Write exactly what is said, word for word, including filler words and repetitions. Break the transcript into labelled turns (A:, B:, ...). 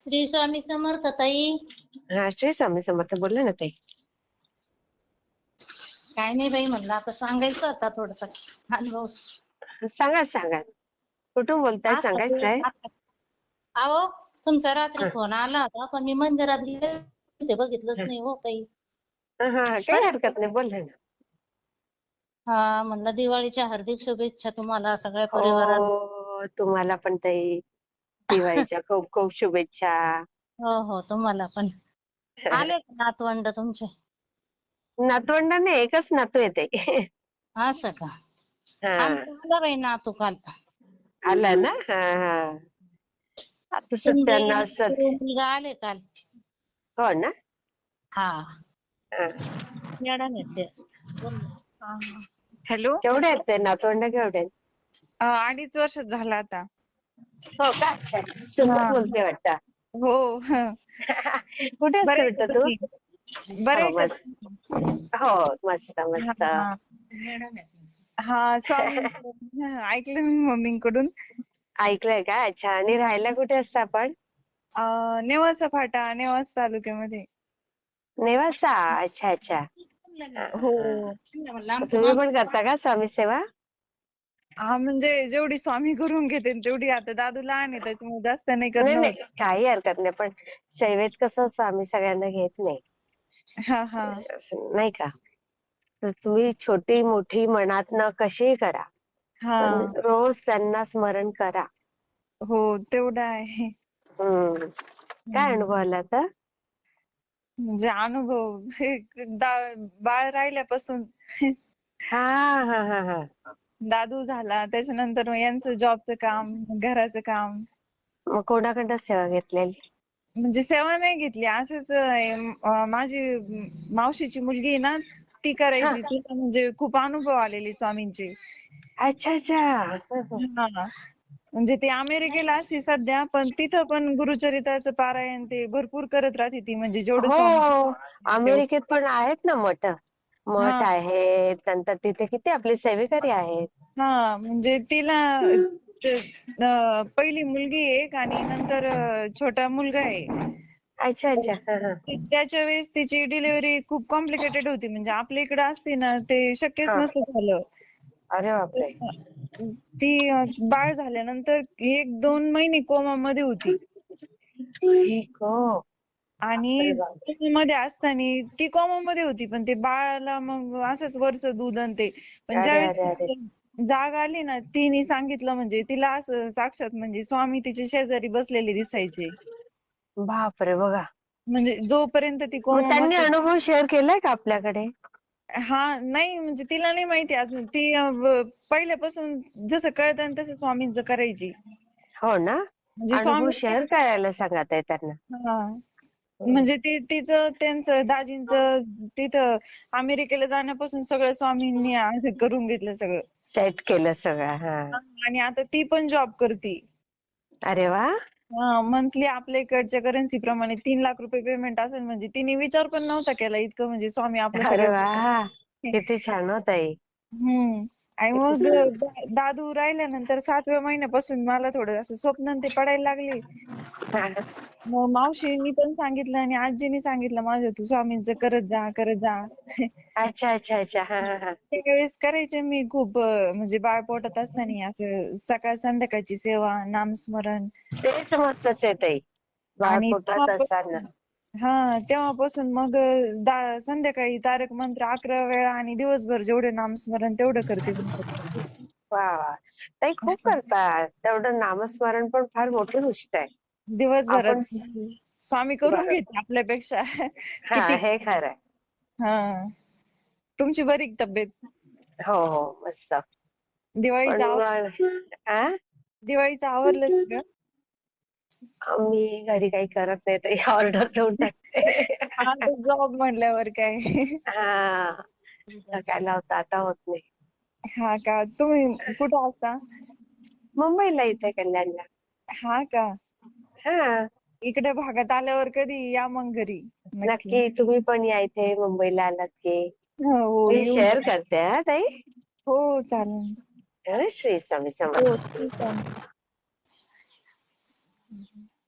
A: श्री स्वामी समर्थ ताई.
B: हा, श्री स्वामी समर्थ. बोला ना ताई.
A: काय नाही बाई, म्हणलं आता सांगायचं आता थोडासा अनुभव.
B: सांगा सांगा. कुठून बोलताय,
A: असं ते
B: सांगायचंय?
A: आता- अहो, तुमचा रात्री
B: हा
A: फोन आला होता पण मी मंदिरात गेले होते, बघितलंच नाही हो ताई.
B: हा हा, काही हरकत नाही, बोला ना.
A: हा, म्हणलं दिवाळीच्या हार्दिक शुभेच्छा तुम्हाला सगळ्या परिवाराला.
B: हो, तुम्हाला पण ताई दिवाळीच्या खूप खूप शुभेच्छा.
A: हो हो, तुम्हाला पण. आले का नातवंड तुमचे?
B: नातवंड नाही, एकच नातू येते.
A: असं का?
B: हा,
A: आमचं आलं बाई नातू काल.
B: आला ना. हा हा, आता
A: शिंदे
B: सुट्ट्यांना असतात.
A: मुलगा आले काल.
B: हो ना.
A: हा,
B: हा.
A: मॅडम येते. बोल ना.
C: हा, हा. हॅलो.
B: केवढे आहेत ते नातवंड, केवढे आहेत?
C: अ, अडीच वर्ष झाला आता.
B: हो का? अच्छा, सुंदर
C: हा.
B: बोलते वाटतं.
C: हो. ह.
B: कुठे असते
C: बरे आहे
B: बेटा
C: का
B: तू?
C: तुम्ही? बरे
B: हो
C: आहे का
B: मस्त.
C: तुम्ही?
B: हो, मस्त
C: हा,
B: मस्त.
C: हा. हा, स्वामी ऐकलं मी मम्मींकडून.
B: ऐकलंय का? अच्छा. आणि राहायला कुठे असतं आपण?
C: अ, नेवासा फाटा, नेवासा तालुक्यामध्ये.
B: नेवासा. अच्छा अच्छा. हा,
C: हो.
B: हा.
A: म्हणलं आमचं
B: तुम्ही
A: मामा.
B: पण करता का स्वामी सेवा?
C: हा, म्हणजे जेवढी स्वामी करून घेते तेवढी. आता दादू लहान आहे त्याच्यामुळे जास्त नाही
B: नाही
C: करणं
B: नाही,
C: होत.
B: काही हरकत नाही, पण सेवेत कसं स्वामी सगळ्यांना घेत नाही,
C: हा हा.
B: असं नाही का? तर तुम्ही छोटी मोठी मनातनं कशीही करा,
C: हा.
B: पण रोज त्यांना स्मरण करा.
C: हो, तेवढं आहे.
B: हम्म. काय
C: हम्म.
B: अनुभव आला आता?
C: म्हणजे अनुभव हे दा- बाळ राहिल्यापासून
B: हा हा हा हा.
C: दादू झाला, त्याच्यानंतर मग यांचं जॉबचं काम, घराचं काम.
B: मग कोणाकडनं सेवा घेतलेली?
C: म्हणजे सेवा नाही घेतली, असंच अं, माझी मावशीची मुलगी आहे ना, ती
B: हा.
C: करायची. तिला म्हणजे खूप अनुभव आलेले स्वामींचे.
B: अच्छा अच्छा.
C: हा, म्हणजे ती अमेरिकेला असते सध्या, पण तिथं पण गुरुचरित्राचं पारायण ते भरपूर करत राहते ती, म्हणजे जेवढं
B: हो,
C: स्वामी तेवढं.
B: अमेरिकेत पण आहेत ना मठ.
C: हा
B: मठ आहेत, नंतर तिथे किती आपले सेवेकरी आहेत.
C: हा, म्हणजे तिला ते, अं, पहिली मुलगी आहे एक आणि नंतर अं, छोटा मुलगा आहे.
B: अच्छा
C: तर
B: अच्छा. हा हा.
C: ती- त्याच्या वेळेस तिची डिलिव्हरी खूप कॉम्प्लिकेटेड होती, म्हणजे आपल्या इकडे असते ना ते शक्यच
B: हा.
C: नसतं झालं.
B: अरे बापरे.
C: ती अं, बाळ झाल्यानंतर एक दोन महिने कोमा मध्ये होती
B: ठीक हो.
C: आणि
B: अरे बापरे.
C: मध्ये असताना ती कोमा मध्ये होती, पण ते बाळाला मग असंच वरचं दूध आणि ते, पण
B: अरे
C: ज्यावेळेस
B: अरे अरे.
C: तिला जाग आली ना, तिने सांगितलं म्हणजे तिला असं साक्षात म्हणजे स्वामी तिच्या शेजारी बसलेले दिसायचे.
B: बापरे, बघा.
C: म्हणजे जोपर्यंत ती
B: मग
C: कोमा
B: त्यांनी
C: मध्ये.
B: अनुभव शेअर केलाय का आपल्याकडे?
C: हा, नाही म्हणजे तिला नाही माहिती अजून. ती अं, व- पहिल्यापासून जसं कळतं तसं स्वामींचं करायची.
B: हो ना.
C: म्हणजे
B: अनुभव
C: स्वामी.
B: शेअर करायला सांगा ताई त्यांना.
C: हा, म्हणजे ते तिचं त्यांचं दाजींचं तिथं अमेरिकेला जाण्यापासून सगळं स्वामींनी असं करून घेतलं सगळं.
B: सेट केलं सगळं. हा.
C: आणि आता ती पण जॉब करते.
B: अरे वा.
C: मंथली आपल्या इकडच्या करन्सी प्रमाणे तीन लाख रुपये पेमेंट असेल, म्हणजे तिने विचार पण नव्हता केला इतकं म्हणजे स्वामी आपलं
B: अरे
C: सगळं
B: वा,
C: करतात.
B: किती छान हो ताई.
C: हम्म. आणि
B: किती
C: मग
B: छान.
C: दा- दादू राहिल्यानंतर सातव्या महिन्यापासून मला थोडं असं स्वप्न ते पडायला लागले. मग मावशींनी पण सांगितलं आणि आजीनी सांगितलं माझ्या, तू स्वामींचं करत जा करत जा.
B: अच्छा अच्छा अच्छा. हा हा हा.
C: त्यावेळेस करायचे मी खूप, अं, म्हणजे बाळ पोटात असताना असं सकाळ संध्याकाळची सेवा, नामस्मरण.
B: तेच महत्वाचं आहे ताई, बाळ
C: आणि
B: पोटात
C: तेव्हा
B: असताना.
C: हा, तेव्हापासून मग अं, दा- संध्याकाळी तारक मंत्र अकरा वेळा आणि दिवसभर जेवढे नामस्मरण तेवढं करते.
B: वा वा. ताई खूप करतात, तेवढं नामस्मरण पण फार मोठी गोष्ट आहे. आपण.
C: दिवसभरात स्वामी करून
B: बरोबर.
C: घेते आपल्यापेक्षा
B: हा,
C: किती.
B: हे खरंय.
C: हा, तुमची बरी का तब्येत?
B: हो हो, मस्त. पण
C: दिवाळीचं आव
B: मग आ
C: दिवाळीचं आवरलं सगळं?
B: मी घरी काही करत नाही ताई, ऑर्डर देऊन टाकते.
C: हा, जॉब म्हटल्यावर काय.
B: हा, सकाळला होता, आता होत नाही.
C: हा का, तुम्ही कुठं असता?
B: मुंबईला, इथे कल्याणला.
C: हा का,
B: हा,
C: इकडे भागात आल्यावर कधी या मग घरी.
B: नक्की. तुम्ही पण या इथे मुंबईला आलात की.
C: हो,
B: मी
C: येऊ.
B: शेअर करते हा ताई.
C: हो, चालेल.
B: हं, श्री स्वामी
C: हो,
B: समर्थ.
C: ठीक आहे.